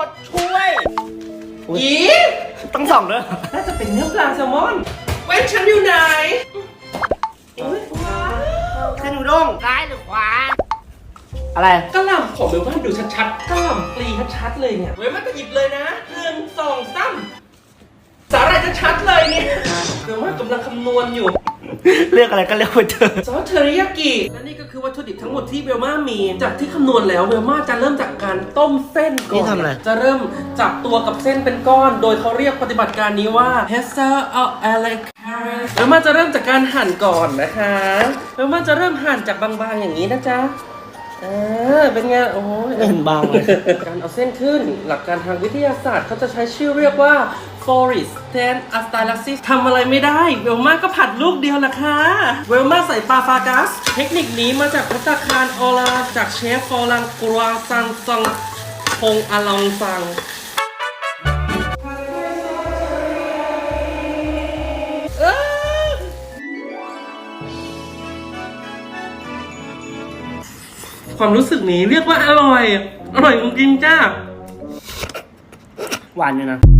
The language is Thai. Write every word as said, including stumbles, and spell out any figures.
ดช่วยอีต้องส่องด้วยน่าจะเป็นเนื้อปลาแซลมอนเว้นฉันอยู่ไหนอุ้ยว้าวเส้นอุด้งซ้ายหรือขวา อะไรกระหล่ำผมเบลว่าดูชัดๆกระหล่ำปลีชัดๆเลยเนี่ยเว้ยมันจะหยิบเลยนะหนึ่งสองสามสาหร่ายชัดๆเลยเนี่ยเบลว่ากำลังคำนวณอยู่เลือกอะไรก็เลือกไปเถอะซอสเทอริยากิและนี่ก็คือวัตถุดิบทั้งหมดที่เบลม่ามีจากที่คำนวณแล้วเบลม่าจะเริ่มจากการต้มเส้นก่อนนี่ทำอะไรจะเริ่มจับตัวกับเส้นเป็นก้อน โดยเขาเรียกปฏิบัติการนี้ว่า Hester of Alec เบลม่าจะเริ่มจากการหั่นก่อนนะคะเบลม่าจะเริ่มหั่นจากบางๆอย่างนี้นะจ๊ะเออเป็นไงโอ้ยเห็นบางเลยการเอาเส้นขึ้นหลักการทางวิทยาศาสตร์เขาจะใช้ชื่อเรียกว่า Forest Ten Astylaxis ทำอะไรไม่ได้เวลมาก็ผัดลูกเดียวล่ะค่ะเวลมาใส่ปลาฟากัสเทคนิคนี้มาจากพัตตาคารออลาจากเชฟฟอรังกรัวซังซังพงอลองซังเอ้อความรู้สึกนี้เรียกว่าอร่อย อร่อยจริงๆจ้าหวานอยู่นะ